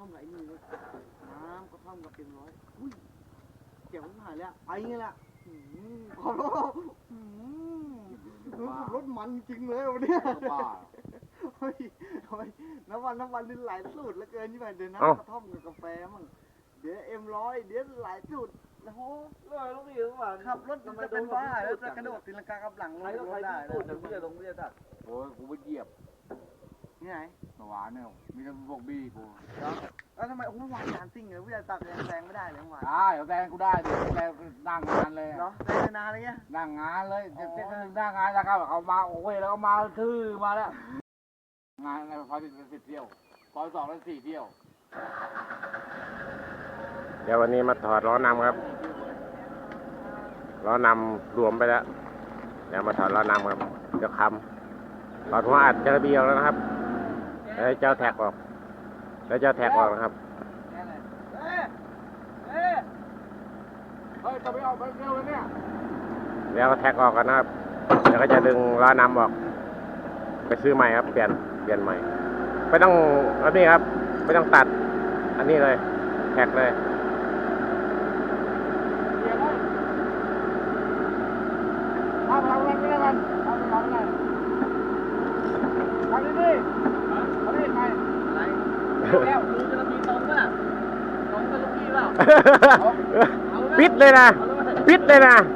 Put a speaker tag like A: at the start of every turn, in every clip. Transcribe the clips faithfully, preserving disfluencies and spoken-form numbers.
A: มกับไอ้นี่เลยน้ำกระท่อมกับเต็มร้อยอุ้ยเจ๋งหายแล้วไอ้เงี้ยแหละขอรถรถมันจริงเลยวันนี้เฮ้ยทำไมน้ำวันน้ำวันนี่หลายสูตรแล้วเกินที่แบบเดี๋ยวน้ำกระท่อมกับกาแฟมั่งเดี๋ยวเอ็มร้อยเดี๋ยวหลายสูตรแล้วโหลอยลงอีกว่าขับรถจะเป็นบ้าแล้วจะกระโดดตีลังกากับหลังลงรถได้สูตรเดี๋ยวพี่จะลงพี่จะตัด
B: โอ้ยกูไปเหยียบ
A: นี่ไหน
B: หวานเนี่ยมีแต่พวกบี้กู
A: แล้วทำไมโอ้วางจานซิ่งเลยพี่จะตัดแรงไม่ได้เลยหวาน
B: ได้แซงกูได้ดิแซงนั่งงานเลย
A: เหรอแซงนานเลยเงี้ย
B: นั่งงานเลยจะเต้นนั่งงานแล้วก็เขามาโอ้ยแล้วก็มาทื่อมาแล้วงานอะไรพอสิบสิบเที่ยวพอสองแล้วสี่เที่ยว
C: เดี๋ยววันนี้มาถอดล้อนำครับล้อนำรวมไปแล้วเดี๋ยวมาถอดล้อนำครับเดี๋ยวคำถอดหัวอัดเจอเบียวแล้วนะครับแล้วเจ้าแท็กออกแล้วเจ้าแท็กออกนะครับ
B: เฮ้ยเฮ้ยเฮ้ยจะไปออกไปเร็วเลยเนี่ย
C: เดี๋ยวแท็กออกกันนะครับแล้วก็จะดึงล้อนำออกไปซื้อใหม่ครับเปลี่ยนเปลี่ยนใหม่ไม่ต้องอันนี้ครับไม่ต้องตัดอันนี้เลยแท็กเลย
B: ทำเราเล่นไม่ได้กันทำเราเล่นทำดีๆทำดีไปอะไรแล้วดูจะมีตรงป่ะตรงกับลูกพี่เปล่า
C: ปิดเลยนะปิดเลยนะ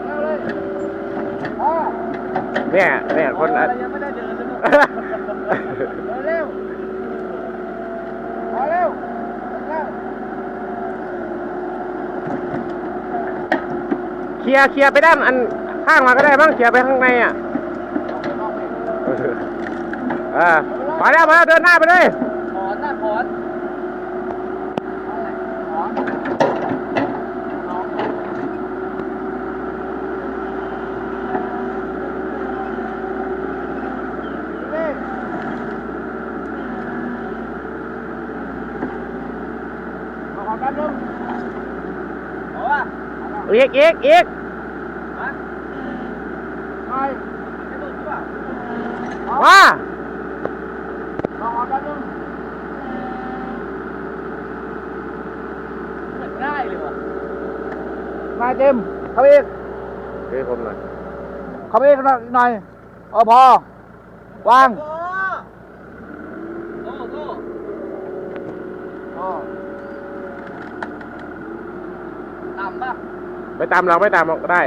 C: เนี่ยเนี่ยคน
B: ยังไม่ได้เดินเลยเร็วพอเร็ว
C: เคลียร์เคลียร์ไปด้านอันข้างมาก็ได้บ้างเคลียร์ไปข้างในอ่ะเออมาแล้วมาแล้วเดินหน้าไปเลย
B: ถอนหน้าถอนถอนเอาแป๊บนึงเอาว่ะ
C: อีกอีกอีกว่า
B: ลองเอาแป๊บนึงเหมือนได้เลยวะนายเต็มเข้าไปอีก
C: เฮ้ยผมหน่อย
B: เข้าไปอีกหน่อยเออพอวางโอ้โหโอ้ต่ำปะ
C: ไม่ตามเราไม่ตามเราก็ได้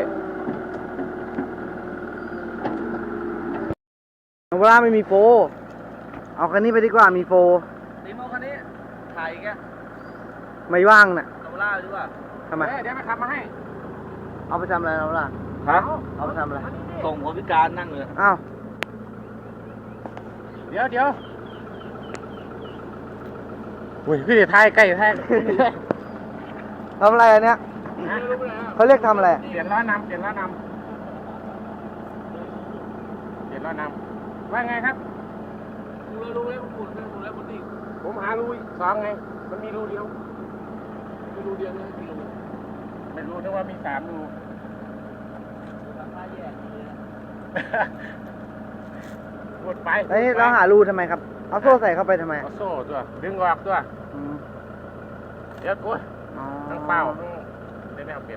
A: เวลาไม่มีโฟเอาคันนี้ไปดีกว่ามีโฟ
B: ตีโมคันนี้ถ่ายแก
A: ไม่ว่างน่ะ
B: เอาล่าดีกว่า
A: ทำไม
B: เดี๋ยวไปขับมาให้
A: เอาไปทำอะไรเราล่ะ
B: ฮะ
A: เอาไปทำอะไร
B: ส่งคนพิการนั่งเลย
A: อ้าว
B: เดี๋ยวเดี๋ยว
C: อุ้ยพี่เดี๋ยวท้ายใกล้ท้าย
A: ทำอะไรอันเนี้ยเขาเรียกทำอะไร
C: เปลี่ยนล้อนำเปลี่ยนล้อนำเปลี่ยนล้อนำว่าไงครับ
B: ดูแล้วดูแล้วผมหมุนแล้วหมุนแล้วมันดี
C: ผมหารูสองไงมันมีรูเดียว
B: มีรูเดียวเลยมีรู
C: ไม่รู้นึกว่ามีสามรู
B: ทำท่าแย่เลย
C: หมดไป
A: ไอ้เราหารูทำไมครับเอาโซ่ใส่เข้าไปทำไม
C: เอาโซ่ตัวดึงออกตัวเดี๋ยวกูทั้งเป้าทั้งได้แนวเปลี่ยน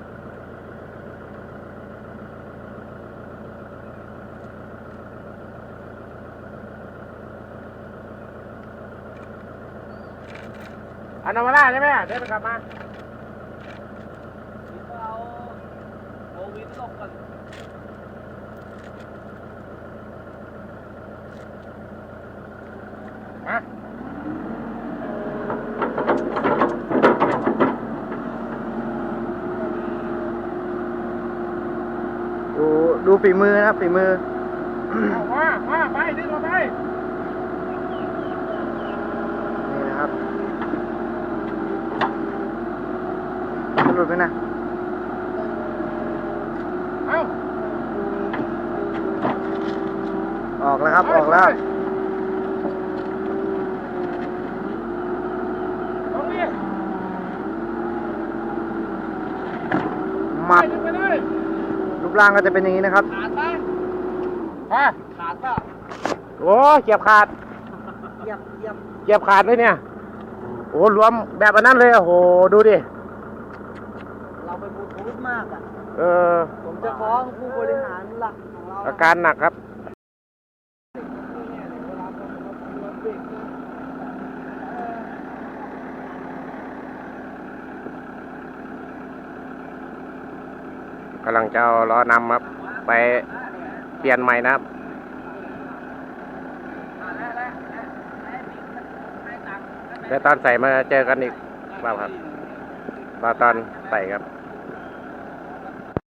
C: อันนาวาร่าใช่ไหมเดี๋ยวไปกลับมา
B: เอาโควิดลบกัน
C: มา
A: ดูดูฝีมือนะฝีมือ
C: มามาไปดึงออกไป
A: นี่นะครับหลุดไปนะ
C: เอา
A: ออกแล้วครับออกแล้ว
C: ตรงนี้
A: มัดรูปร่างก็จะเป็นอย่างนี้นะครับ
B: ขาดปะ
C: ฮะ
B: ขาดปะ
C: โอ้เกียบขาด
A: เกียบเกียบ
C: เกียบขาดเลยเนี่ยโอ้รวมแบบอันนั้นเลยโอ้โหดูดิ
A: เราไปบูทูธมากอ่ะ
C: เออ
A: ผมจะฟ้องผู้บริหารหลักของเรา
C: อาการหนักครับกำลังจะเอาล้อนำครับไปเปลี่ยนใหม่นะครับเดี๋ยวตอนใส่มาเจอกันอีกบ้างครับตอนตอนใส่ครับ